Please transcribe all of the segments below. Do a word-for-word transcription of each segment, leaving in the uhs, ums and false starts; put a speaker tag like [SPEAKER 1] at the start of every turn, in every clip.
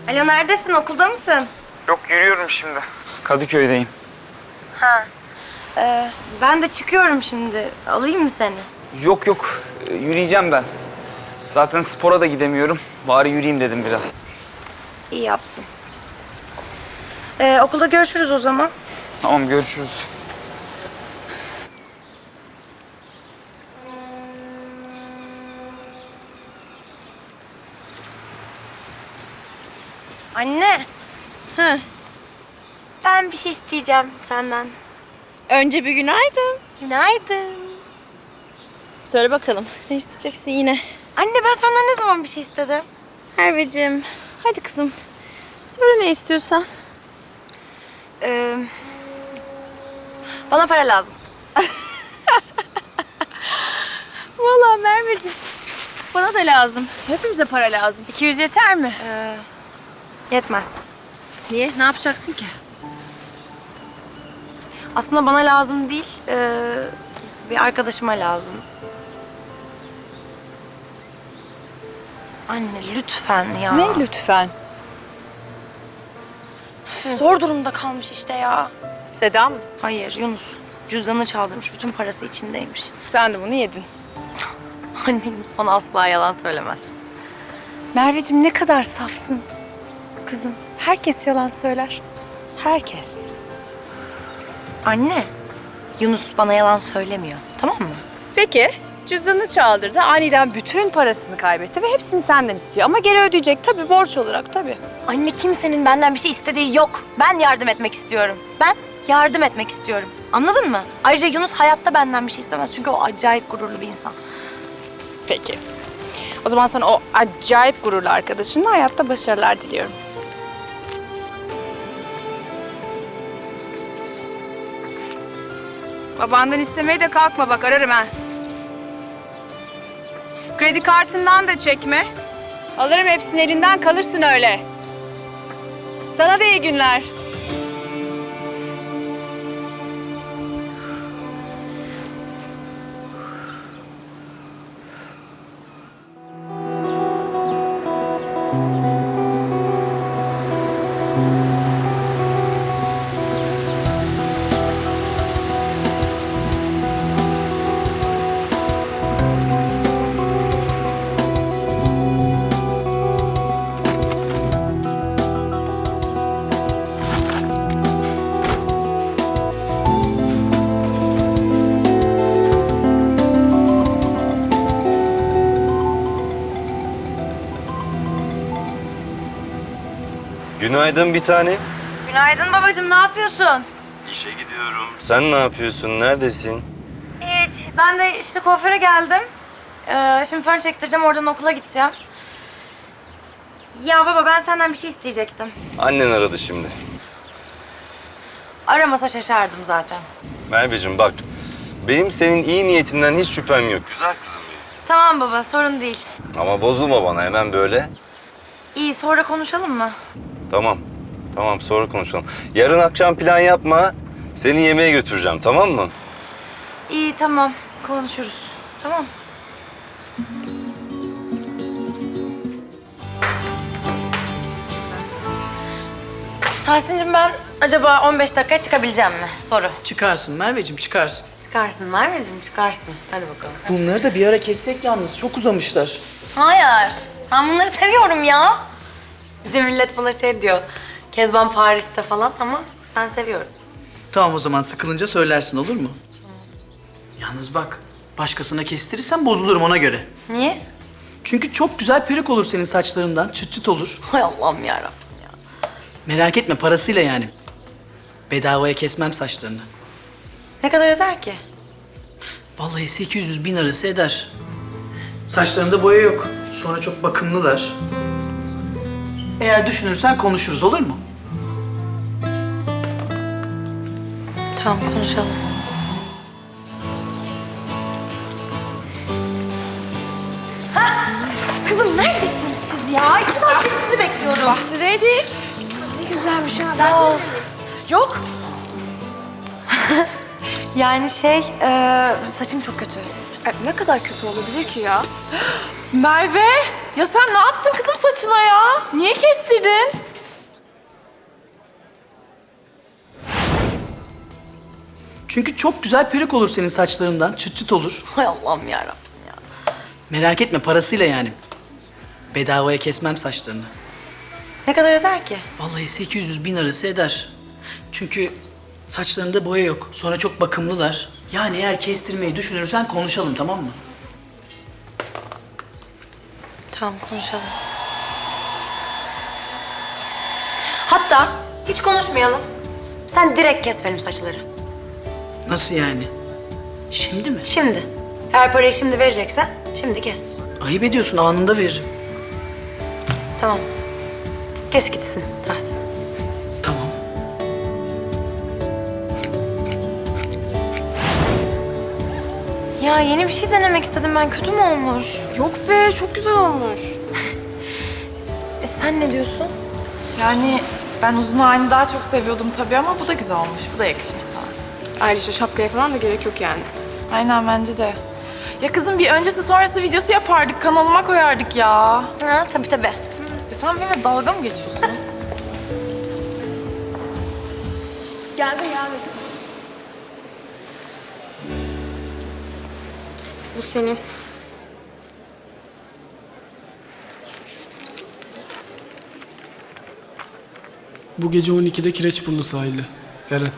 [SPEAKER 1] Alo, neredesin? Okulda mısın?
[SPEAKER 2] Yok, yürüyorum şimdi. Kadıköy'deyim.
[SPEAKER 1] Ha. Ee, ben de çıkıyorum şimdi. Alayım mı seni?
[SPEAKER 2] Yok yok, ee, yürüyeceğim ben. Zaten spora da gidemiyorum. Bari yürüyeyim dedim biraz.
[SPEAKER 1] İyi yaptın. Ee, okulda görüşürüz o zaman.
[SPEAKER 2] Tamam, görüşürüz.
[SPEAKER 1] Anne. Hı. Ben bir şey isteyeceğim senden.
[SPEAKER 3] Önce bir günaydın.
[SPEAKER 1] Günaydın.
[SPEAKER 3] Söyle bakalım. Ne isteyeceksin yine?
[SPEAKER 1] Anne, ben senden ne zaman bir şey istedim?
[SPEAKER 3] Merveciğim, hadi kızım. Söyle ne istiyorsan.
[SPEAKER 1] Ee, bana para lazım.
[SPEAKER 3] Vallahi Merveciğim, bana da lazım. Hepimize para lazım. iki yüz yeter mi?
[SPEAKER 1] Ee, yetmez.
[SPEAKER 3] Niye? Ne yapacaksın ki?
[SPEAKER 1] Aslında bana lazım değil, ee, bir arkadaşıma lazım. Anne lütfen ya.
[SPEAKER 3] Ne lütfen?
[SPEAKER 1] Zor durumda kalmış işte ya.
[SPEAKER 3] Seda mı?
[SPEAKER 1] Hayır, Yunus. Cüzdanı çaldırmış, bütün parası içindeymiş.
[SPEAKER 3] Sen de bunu yedin.
[SPEAKER 1] Anne, Yunus bana asla yalan söylemez.
[SPEAKER 3] Merveciğim ne kadar safsın. Kızım, herkes yalan söyler. Herkes.
[SPEAKER 1] Anne, Yunus bana yalan söylemiyor, tamam mı?
[SPEAKER 3] Peki, cüzdanını çaldırdı. Aniden bütün parasını kaybetti ve hepsini senden istiyor. Ama geri ödeyecek tabii, borç olarak tabii.
[SPEAKER 1] Anne, kimsenin benden bir şey istediği yok. Ben yardım etmek istiyorum. Ben yardım etmek istiyorum. Anladın mı? Ayrıca Yunus hayatta benden bir şey istemez. Çünkü o acayip gururlu bir insan.
[SPEAKER 3] Peki. O zaman sana o acayip gururlu arkadaşınla hayatta başarılar diliyorum. Babandan istemeye de kalkma bak, ararım ha. Kredi kartından da çekme. Alırım hepsini, elinden kalırsın öyle. Sana da iyi günler.
[SPEAKER 4] Günaydın bir tane.
[SPEAKER 1] Günaydın babacığım, ne yapıyorsun?
[SPEAKER 4] İşe gidiyorum. Sen ne yapıyorsun? Neredesin?
[SPEAKER 1] Hiç. Ben de işte kuaföre geldim. Ee, şimdi fön çektireceğim, oradan okula gideceğim. Ya baba, ben senden bir şey isteyecektim.
[SPEAKER 4] Annen aradı şimdi.
[SPEAKER 1] Aramasa şaşardım zaten.
[SPEAKER 4] Merveciğim bak, benim senin iyi niyetinden hiç şüphem yok. Güzel kızım benim.
[SPEAKER 1] Tamam baba, sorun değil.
[SPEAKER 4] Ama bozulma bana hemen böyle.
[SPEAKER 1] İyi, sonra konuşalım mı?
[SPEAKER 4] Tamam, tamam sonra konuşalım. Yarın akşam plan yapma. Seni yemeğe götüreceğim, tamam mı?
[SPEAKER 1] İyi, tamam. Konuşuruz. Tamam. Tahsin'cim, ben acaba on beş dakikaya çıkabileceğim mi? Soru.
[SPEAKER 5] Çıkarsın Merveciğim, çıkarsın.
[SPEAKER 1] Çıkarsın Merveciğim, çıkarsın. Hadi bakalım.
[SPEAKER 5] Bunları da bir ara kessek yalnız, çok uzamışlar.
[SPEAKER 1] Hayır. Ben bunları seviyorum ya. Bizim millet bana şey diyor. Kezban Paris'te falan ama ben seviyorum.
[SPEAKER 5] Tamam o zaman sıkılınca söylersin, olur mu? Yalnız bak, başkasına kestirirsen bozulurum ona göre.
[SPEAKER 1] Niye?
[SPEAKER 5] Çünkü çok güzel peruk olur senin saçlarından, çıt çıt olur.
[SPEAKER 1] Hay Allah'ım yarabbim ya.
[SPEAKER 5] Merak etme, parasıyla yani. Bedavaya kesmem saçlarını.
[SPEAKER 1] Ne kadar eder ki?
[SPEAKER 5] Vallahi sekiz yüz bin arası eder. Saçlarında boya yok. Sonra çok bakımlılar. Eğer düşünürsen konuşuruz, olur mu?
[SPEAKER 1] Tamam, konuşalım. Kızım, neredesiniz siz ya? İki saattir sizi bekliyorum.
[SPEAKER 3] Bahçedeydik.
[SPEAKER 1] Ne güzelmiş ha. Sağ ol. Yok. Yani şey, e, saçım çok kötü.
[SPEAKER 6] E, ne kadar kötü olabilir ki ya? Merve, ya sen ne yaptın kızım saçına ya? Niye kestirdin?
[SPEAKER 5] Çünkü çok güzel peruk olur senin saçlarından. Çıt çıt olur.
[SPEAKER 1] Hay Allah'ım yarabbim ya.
[SPEAKER 5] Merak etme, parasıyla yani. Bedavaya kesmem saçlarını.
[SPEAKER 1] Ne kadar eder ki?
[SPEAKER 5] Vallahi sekiz yüz bin arası eder. Çünkü saçlarında boya yok. Sonra çok bakımlılar. Yani eğer kestirmeyi düşünürsen konuşalım, tamam mı?
[SPEAKER 1] Tamam, konuşalım. Hatta hiç konuşmayalım. Sen direkt kes benim saçları.
[SPEAKER 5] Nasıl yani? Şimdi mi?
[SPEAKER 1] Şimdi. Eğer parayı şimdi vereceksen şimdi kes.
[SPEAKER 5] Ayıp ediyorsun, anında veririm.
[SPEAKER 1] Tamam. Kes gitsin Tahsin.
[SPEAKER 5] Tamam.
[SPEAKER 1] Ya yeni bir şey denemek istedim ben. Kötü mü olmuş?
[SPEAKER 6] Yok be, çok güzel olmuş.
[SPEAKER 1] E, sen ne diyorsun?
[SPEAKER 7] Yani ben uzun halini daha çok seviyordum tabii ama bu da güzel olmuş. Bu da yakışmış sana.
[SPEAKER 6] Ayrıca şapkaya falan da gerek yok yani.
[SPEAKER 7] Aynen bence de. Ya kızım bir öncesi sonrası videosu yapardık. Kanalıma koyardık ya.
[SPEAKER 1] Ha, tabii tabii.
[SPEAKER 7] E sen benimle dalga mı geçiyorsun?
[SPEAKER 6] Geldim geldim.
[SPEAKER 1] Bu senin.
[SPEAKER 8] Bu gece on ikide Kireçburnu sahilde. Eren.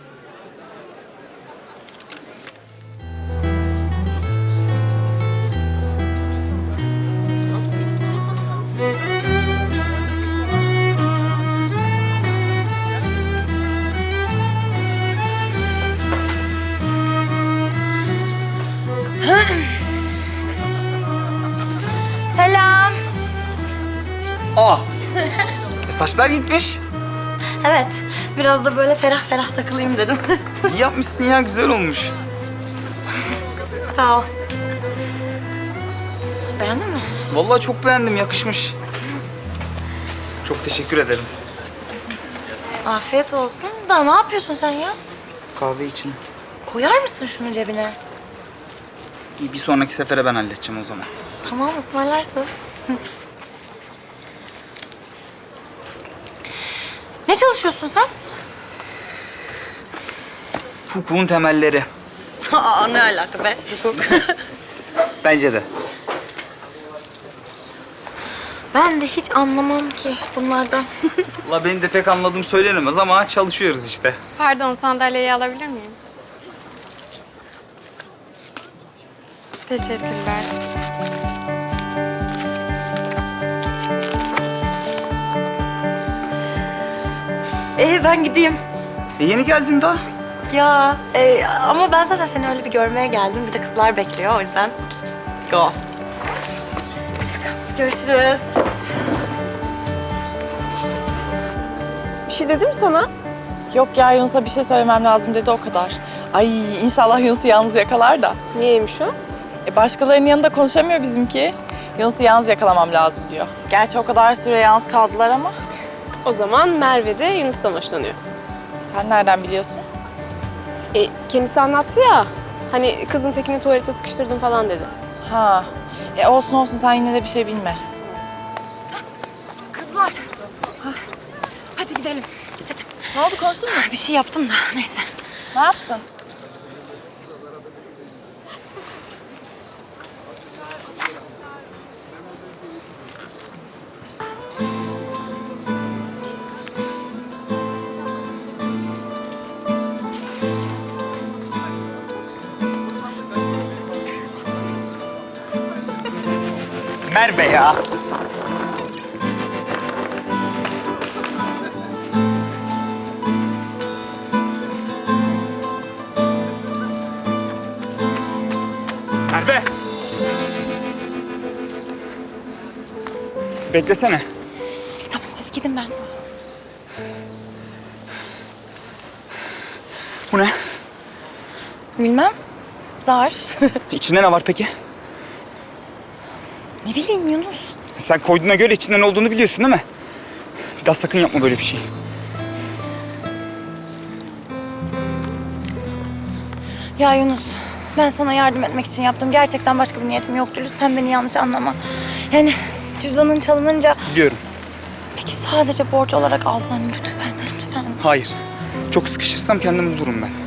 [SPEAKER 1] Selam.
[SPEAKER 2] Aa! E, saçlar gitmiş.
[SPEAKER 1] Evet, biraz da böyle ferah ferah takılayım dedim.
[SPEAKER 2] İyi yapmışsın ya, güzel olmuş.
[SPEAKER 1] Sağ ol. Beğendin mi?
[SPEAKER 2] Vallahi çok beğendim, yakışmış. Çok teşekkür ederim.
[SPEAKER 1] Afiyet olsun. Da ne yapıyorsun sen ya?
[SPEAKER 2] Kahve için.
[SPEAKER 1] Koyar mısın şunu cebine?
[SPEAKER 2] İyi, bir sonraki sefere ben halledeceğim o zaman.
[SPEAKER 1] Tamam, ısmarlarsın. Ne çalışıyorsun sen?
[SPEAKER 2] Hukukun temelleri.
[SPEAKER 1] Aa, ne alaka be? Hukuk.
[SPEAKER 2] Bence de.
[SPEAKER 1] Ben de hiç anlamam ki bunlardan.
[SPEAKER 2] Valla benim de pek anladığım söylenemez ama çalışıyoruz işte.
[SPEAKER 6] Pardon, sandalyeyi alabilir miyim? Teşekkürler.
[SPEAKER 1] Ee, ben gideyim.
[SPEAKER 2] E yeni geldin daha.
[SPEAKER 1] Ya e, ama ben zaten seni öyle bir görmeye geldim. Bir de kızlar bekliyor o yüzden. Go. Görüşürüz.
[SPEAKER 6] Bir şey dedim sana.
[SPEAKER 7] Yok ya Yunus'a bir şey söylemem lazım dedi o kadar. Ay inşallah Yunus'u yalnız yakalar da.
[SPEAKER 6] Niyeymiş o?
[SPEAKER 7] E başkalarının yanında konuşamıyor bizimki. Yunus'u yalnız yakalamam lazım diyor. Gerçi o kadar süre yalnız kaldılar ama.
[SPEAKER 6] O zaman Merve de Yunus'tan hoşlanıyor.
[SPEAKER 7] Sen nereden biliyorsun?
[SPEAKER 6] E, kendisi anlattı ya. Hani kızın tekini tuvalete sıkıştırdım falan dedi.
[SPEAKER 7] Ha. E olsun olsun sen yine de bir şey bilme.
[SPEAKER 1] Kızlar. Hadi gidelim.
[SPEAKER 7] Ne oldu konuştun mu?
[SPEAKER 1] Bir şey yaptım da neyse.
[SPEAKER 7] Ne yaptın?
[SPEAKER 2] Merve ya. Merve. Beklesene.
[SPEAKER 1] Tamam siz gidin ben.
[SPEAKER 2] Bu ne?
[SPEAKER 1] Bilmem. Zarf.
[SPEAKER 2] İçinde ne var peki?
[SPEAKER 1] Ne bileyim Yunus.
[SPEAKER 2] Sen koyduğuna göre içinde ne olduğunu biliyorsun değil mi? Bir daha sakın yapma böyle bir şey.
[SPEAKER 1] Ya Yunus, ben sana yardım etmek için yaptım. Gerçekten başka bir niyetim yoktu. Lütfen beni yanlış anlama. Yani cüzdanın çalınınca...
[SPEAKER 2] Biliyorum.
[SPEAKER 1] Peki sadece borç olarak alsan lütfen, lütfen.
[SPEAKER 2] Hayır. Çok sıkışırsam kendimi bulurum ben.